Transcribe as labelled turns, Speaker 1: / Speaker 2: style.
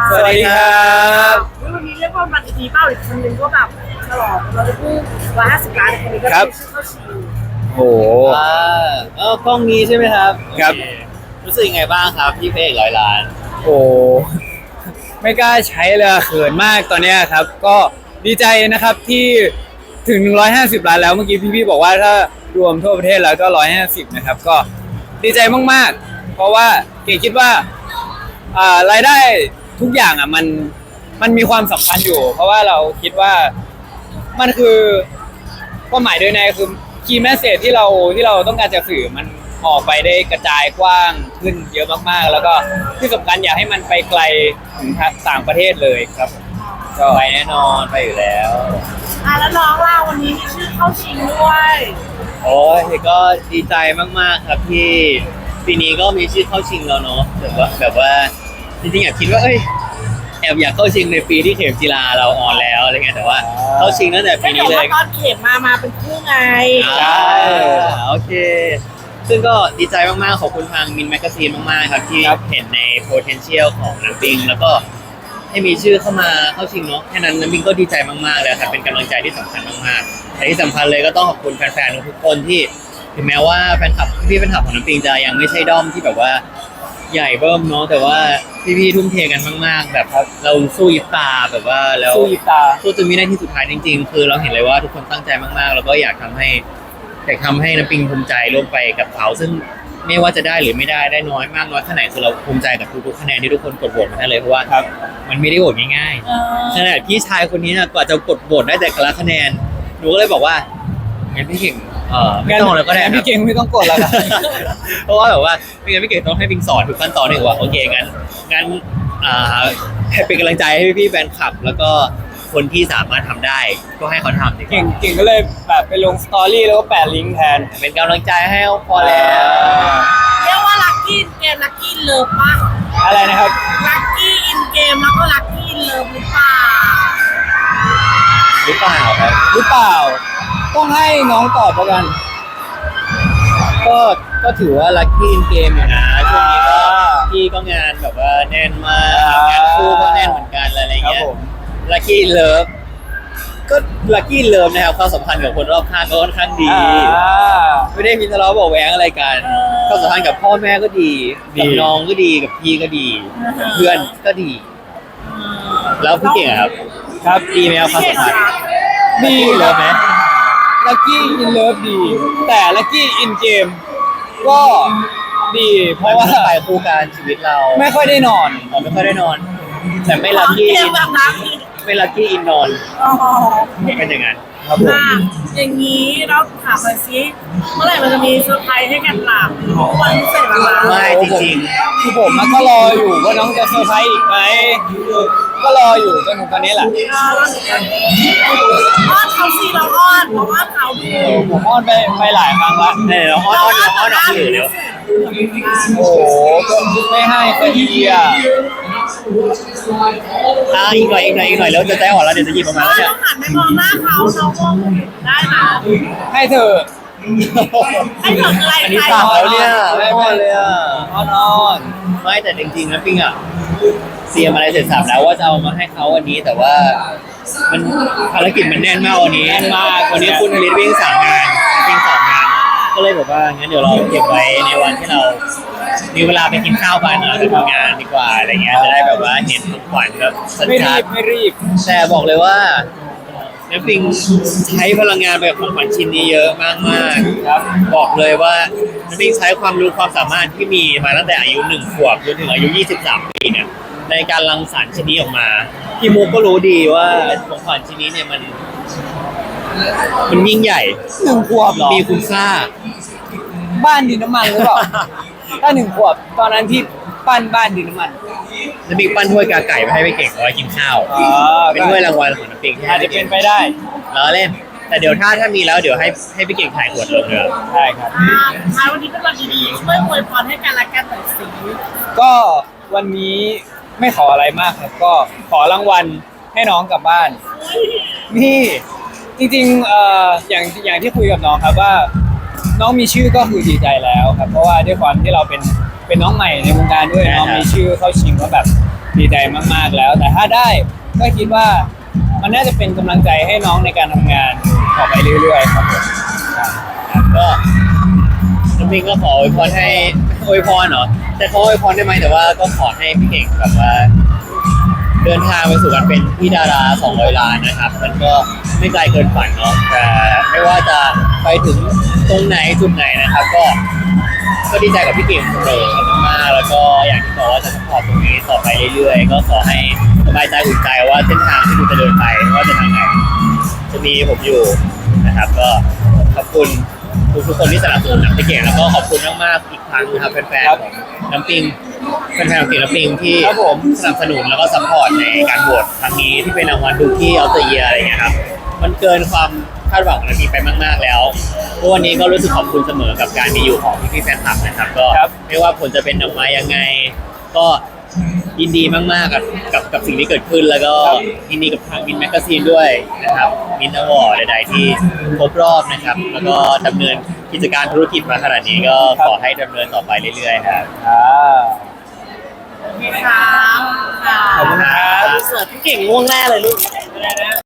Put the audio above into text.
Speaker 1: สวัสดีครับ
Speaker 2: วันนี้เรียกว่าบัตรดีเป้าอีกคนนึงก็แบบฉลองเราจะพูด150 ล้านคนนี้ก็ได้ชื่อเข้าชิง
Speaker 1: โอ้
Speaker 3: กล้องนี้ใช่ไหมครับ
Speaker 1: ครับ
Speaker 3: โอเรู้สึกยังไงบ้างครับพี่เพลง100 ล้าน
Speaker 1: โหไม่กล้าใช้เลยเขินมากตอนเนี้ยครับ ก็ดีใจนะครับที่ถึง150 ล้านแล้วเมื่อกี้พี่ๆบอกว่าถ้ารวมทั่วประเทศแล้วก็150นะครับก็ดีใจมากๆเพราะว่าเก๋คิดว่ารายได้ทุกอย่างมันมีความสำคัญอยู่ เพราะว่าเราคิดว่ามันคือความหมายโดยในคือคีย์แมสเสจที่เราต้องการจะสื่อมันออกไปได้กระจายกว้างขึ้นเยอะมากๆ แล้วก็ที่สำคัญอยากให้มันไปไกลถึงต่างประเทศเลยครับก็
Speaker 3: ไปแน่นอนไปอยู่แล้ว
Speaker 2: แล้วน้องเราวันนี้มีชื่อเข้าชิงด้วย
Speaker 3: โอ้ยก็ดีใจมากๆครับที่ปีนี้ก็มีชื่อเข้าชิงแล้วเนาะแบบว่าจริงๆอยากคิดว่าแอบอยากเข้าชิงในปีที่เข็มจีราเราออนแล้วอะไรเงี้ยแต่ว่าเข้าชิงตั้งแต่ปีนี้เลย
Speaker 2: ตอนเข็มมาเป็นคู่ไง
Speaker 3: ใช่โอเค ซึ่งก็ดีใจมากๆขอบคุณทางมินแมกซีนมากๆครับที่เห็นใน potential ของน้ำปิงแล้วก็ให้มีชื่อเข้ามาเข้าชิงเนาะแค่นั้นน้ำปิงก็ดีใจมากๆเลยครับเป็นกำลังใจที่สำคัญมากๆแต่ที่สำคัญเลยก็ต้องขอบคุณแฟนๆทุกคนที่ถึงแม้ว่าแฟนคลับของน้ำปิงจะยังไม่ใช่ด้อมที่แบบว่าใหญ่เบิ่มเนาะแต่ว่าพี่ๆทุ่มเทกันมากๆแบบเราสู้ยิบตาแบบว่าแล้ว
Speaker 1: สู้ยิบตา
Speaker 3: สู้จนวินาทีสุดท้ายจริงๆ คือเราเห็นเลยว่าทุกคนตั้งใจมากๆ แล้วก็อยากทำให้น้ำปิงภูมิใจร่วมไปกับเขาซึ่งไม่ว่าจะได้หรือไม่ได้น้อยมากน้อยแค่ไหนคือเราภูมิใจกับทุกๆคะแนนที่ทุกคนกดโหวตมาให้เลยเพราะว่ามันไม่ได้โหวตง่ายๆขนาดพี่ชายคนนี้นะกว่าจะกดโหวตได้แต่ละคะแนนหนูก็เลยบอกว่างั้นพี่เก่งไม่ต้องแล้วก็ได้
Speaker 1: พี่เก่งไม่ต้องกดแล้วครับ
Speaker 3: เพราะว่าแบบว่าไม่งั้นพี่เก่งต้องให้ปิงสอนทุกขั้นตอนเลยว่าโอเคงั้นให้เป็นกำลังใจให้พี่ๆแฟนคลับ แล้วก็คนที่สามารถทำได้ก็ให้เขาทำดีกว่า
Speaker 1: เก่งก็เลยแบบไปลงสตอรี่แล้วก็แปะลิงก์แทน
Speaker 3: เป็นกำลังใจให้พอแล้ว
Speaker 2: เรียกว่าลัคกี้เกมลัคกี้เลิฟปะ
Speaker 1: อะไรนะครับ
Speaker 2: ลัคกี้อินเกมแล้วก็ลัคกี้เลิฟหรือเปล่า
Speaker 3: หรือเปล่าครับ
Speaker 1: หรือเปล่า ต้องให้น้องตอบแล้วกัน
Speaker 3: ก็ถือว่าลัคกี้อินเกมอยู่นะช่วงนี้ก็พี่ก็งานแบบว่าแน่นมากงานคู่ก็แน่นเหมือนกันอะไรเงี้ยลัคกี้เลิฟก็ลัคกี้เลิฟนะครับความสัมพันธ์กับคนรอบข้างก็ค่อนข้างดี ไม่ได้มีทะเลาะเบาะแว้งอะไรกันความสัมพันธ์กับพ่อแม่ก็ดีกับน้องก็ดีกับพี่ก็ดีกับเพื่อนก็ดี แล้วพี่เก่งอะครับ
Speaker 1: ครับ
Speaker 3: ดีไหมครับความสัมพันธ์
Speaker 1: ดี
Speaker 3: เลิฟไหม
Speaker 1: ลัคกี้อินเลิฟดี แต่ลัคกี้อินเกมก็ดี เพ
Speaker 3: เพราะ
Speaker 1: ราะ
Speaker 3: ว่า
Speaker 1: ว่า
Speaker 3: ไปคู่การชีวิตเรา
Speaker 1: ไม่ค่อยได้นอน
Speaker 3: ไม่ค่อยได้นอน แต่ไม่ลัคกี้
Speaker 2: เกมแบบนั้น
Speaker 3: ไม่ลัคกี้อินนอน
Speaker 2: อ๋อ
Speaker 3: เป็นอย่างนั้น
Speaker 1: ครับผม
Speaker 2: อย่างนี้เราถามหน่อยสิเมื่อไหร่มันจะมีเซอร์ไพรส์ให้กันหลับวันพิเศษหรอ
Speaker 3: ไม่จริง
Speaker 1: คือผมมันก็รออยู่ว่าน้องจะเซอร์ไพรส์อีกไหมก็รออยู่จนถึงตอนนี้แหละ
Speaker 2: อ้อนเขาสิเราอ้อนเขาดู
Speaker 1: ผมอ้อนไปหลายครั้งละ
Speaker 3: ๆเดี๋ยวอ้อนออกสื่อเดี๋ยว
Speaker 1: โอ้โหก็ไม่ให้ก็ดีอ่ะ
Speaker 3: อีกหน่อยแล้วจะใจอ่อนแล้วเดี๋ยวจะหยิบออกมาแล้วเนี่ย
Speaker 2: ต้องหันไปมองหน้าเขาเราคงได้นะ
Speaker 1: ให้เธอ
Speaker 2: ให้ถึงอะไร
Speaker 3: อันนี้
Speaker 2: ใคร
Speaker 3: สาวแล้วเนี่ยไม่พอเลยอ่ะ
Speaker 1: อ้อน
Speaker 3: ไม่แต่จริงๆนะปิงอ่ะเตรียมอะไรเสร็จสับแล้วว่าจะเอามาให้เขาวันนี้แต่ว่ามันภารกิจมันแน่นมากวันนี้วันนี้คุณนฤทธิ์วิ่ง3 งานวิ่ง2 งาน ก็เลยบอกว่างั้นเดี๋ยวเราเก็บไว้ในวันที่เรามีเวลาไปกินข้าวกันเราจะทำงานดีกว่าอะไรเงี้ยจะได้แบบว่าเห็นของขวัญแบบสั
Speaker 1: ไม่รี
Speaker 3: ชัด
Speaker 1: บไม่รีบ
Speaker 3: ๆแต่บอกเลยว่าน้ำปิงใช้พลังงานไปกับของขวัญชิ้นนี้เยอะมากๆ
Speaker 1: ครับ
Speaker 3: บอกเลยว่าน้ำปิงใช้ความรู้ความสามารถที่มีมาตั้งแต่อายุ1 ขวบจนถึงอายุ23 ปีเนี่ยในการรังสรรค์ชิ้นนี้ออกมาพี่มุกก็รู้ดีว่าของขวัญชิ้นนี้เนี่ยมันยิ่งใหญ่
Speaker 1: 1 ขวบเหรอ
Speaker 3: มีคุณค่า
Speaker 1: บ้านดินน้ำมันหรือเปล่า ถ้า1 ขวบตอนนั้นที่ปั้นบ้านดินน้ำมัน
Speaker 3: น้ำปิงปั้นถ้วยกาไก่ไปให้ไปเก่งเอาไว้กินข้าวเป็นถ้วยรางวัลของน้ำปิงที่
Speaker 1: อาจจะเป็นไปได้
Speaker 3: ล้อเล่น แต่เดี๋ยวถ้ามีแล้วเดี๋ยวให้พี่เก่งถ่ายขวดลงเลย
Speaker 1: ใช่ครับ
Speaker 2: ท้ายวันนี้เป็นวันดีๆช่วยอวยพรให้กันและกันหน่อยสิ
Speaker 1: ก็วันนี้ไม่ขออะไรมากครับ ก็ขอรางวัลให้น้องกลับบ้าน นี่จริงๆอย่างที่คุยกับน้องครับว่า น้องมีชื่อก็คือดีใจแล้วครับ เพราะว่าด้วยความที่เราเป็นเป็นน้องใหม่ในวงการด้วย
Speaker 3: ใช่ครับ
Speaker 1: น้องมีชื่อเข้าชิงก็แบบดีใจมากๆแล้ว แต่ถ้าได้ก็คิดว่ามันน่าจะเป็นกำลังใจให้น้องในการทำงานต่อไปเรื่อยๆครับผม
Speaker 3: ก็น้ำปิงก็ขออวยพรให้อวยพรเหรอแต่เขาอวยพรได้ไหมแต่ว่าก็ขอให้พี่เก่งแบบว่า เดินทางไปสู่การเป็นพี่ดารา200 ล้านนะครับ มันก็ไม่ไกลเกินฝันเนาะแต่ไม่ว่าจะไปถึงตรงไหนจุดไหนนะครับ ก็ดีใจกับพี่เก่งเสมอมากๆแล้วก็อย่างที่บอกว่าจะสปอร์ตตรงนี้ต่อไปเรื่อยๆก็ขอให้สบายใจอุ่นใจว่าเส้นทางที่คุณจะเดินไปว่าจะทางไหนจะมีผมอยู่นะครับ ก็ขอบคุณทุกคนที่สนับสนุนน้ำพี่เก่งแล้วก็ขอบคุณมากๆอีกครั้งนะครับแฟนๆของน้ำปิงแฟนๆของเก่งน้ำปิงที่
Speaker 1: ครับผม
Speaker 3: สนับสนุนแล้วก็ซัพพอร์ตในการโหวตครั้งนี้ที่เป็นรางวัลดูที่ออฟเดอะเยียร์อะไรเงี้ยครับมันเกินความคาดหวังของน้ำปิงไปมากๆแล้วทุกวันนี้ก็รู้สึกขอบคุณเสมอกับการมีอยู่ของพี่ๆแฟนคลับนะครับก็
Speaker 1: ครับ
Speaker 3: ไม่ว่าผลจะเป็นออกมายังไง ก็ยินดีมากๆกับสิ่งที่เกิดขึ้นแล้วก็ยินดีกับทางมินแมกกาซีนด้วยนะครับมินอวอร์ดใดๆที่ครบรอบนะครับ แล้วก็ดำเนินกิจการธุรกิจมาขนาดนี้ก็ขอให้ดำเนินต่อไปเรื่อยๆครับ
Speaker 1: อ่า
Speaker 2: โอเคครับ
Speaker 1: ขอบคุณครับ
Speaker 2: เสิร์ฟพี่เก่งง่วงแน่เลยลูก